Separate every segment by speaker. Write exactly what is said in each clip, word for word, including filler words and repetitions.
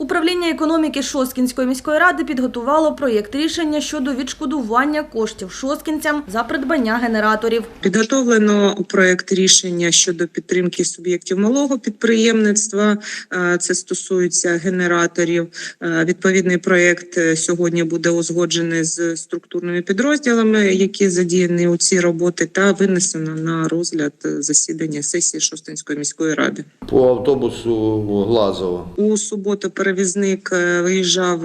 Speaker 1: Управління економіки Шосткінської міської ради підготувало проєкт рішення щодо відшкодування коштів шосткінцям за придбання генераторів.
Speaker 2: Підготовлено проєкт рішення щодо підтримки суб'єктів малого підприємництва. Це стосується генераторів. Відповідний проєкт сьогодні буде узгоджений з структурними підрозділами, які задіяні у цій роботі, та винесено на розгляд засідання сесії Шосткінської міської ради.
Speaker 3: По автобусу Глазово.
Speaker 2: У суботу перевізник виїжджав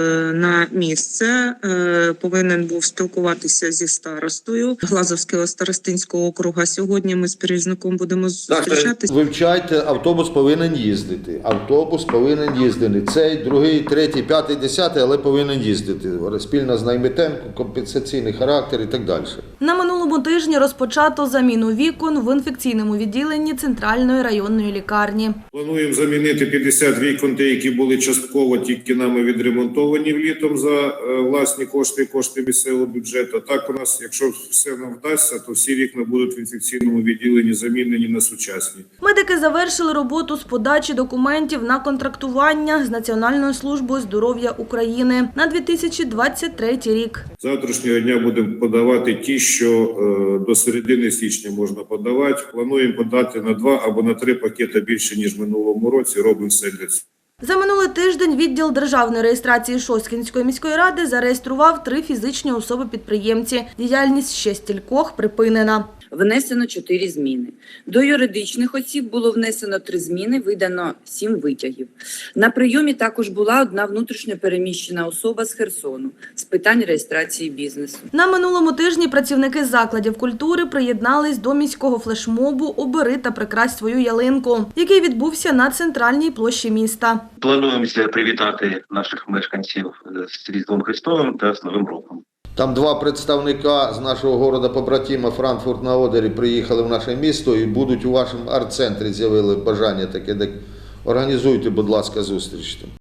Speaker 2: на місце, повинен був спілкуватися зі старостою Глазовського старостинського округу. Сьогодні ми з перевізником будемо зустрічатися.
Speaker 3: Вивчайте, автобус повинен їздити. Автобус повинен їздити. Цей, другий, третій, п'ятий, десятий, але повинен їздити. Спільно з наймитем, компенсаційний характер і так далі.
Speaker 1: На минулому тижні розпочато заміну вікон в інфекційному відділенні Центральної районної лікарні.
Speaker 4: Плануємо замінити п'ятдесят вікон, ті, які були частково тільки нами відремонтовані влітом за власні кошти і кошти місцевого бюджету. Так у нас, якщо все нам вдасться, то всі вікна будуть в інфекційному відділенні замінені на сучасні.
Speaker 1: Медики завершили роботу з подачі документів на контрактування з Національною службою здоров'я України на дві тисячі двадцять третій рік.
Speaker 4: Завтрашнього дня будемо подавати ті, що е, до середини січня можна подавати. Плануємо подати на два або на три пакети більше, ніж в минулому році. Робимо все для цього.
Speaker 1: За минулий тиждень відділ державної реєстрації Шосткінської міської ради зареєстрував три фізичні особи-підприємці. Діяльність ще стількох припинена.
Speaker 5: Внесено чотири зміни. До юридичних осіб було внесено три зміни, видано сім витягів. На прийомі також була одна внутрішньо переміщена особа з Херсону з питань реєстрації бізнесу.
Speaker 1: На минулому тижні працівники закладів культури приєднались до міського флешмобу «Обери та прикрась свою ялинку», який відбувся на центральній площі міста.
Speaker 6: Плануємося привітати наших мешканців з Різдвом Христовим та з Новим роком.
Speaker 3: Там два представника з нашого города побратима Франкфурт на Одері приїхали в наше місто і будуть у вашому арт-центрі, з'явили бажання таке. Організуйте, будь ласка, зустріч.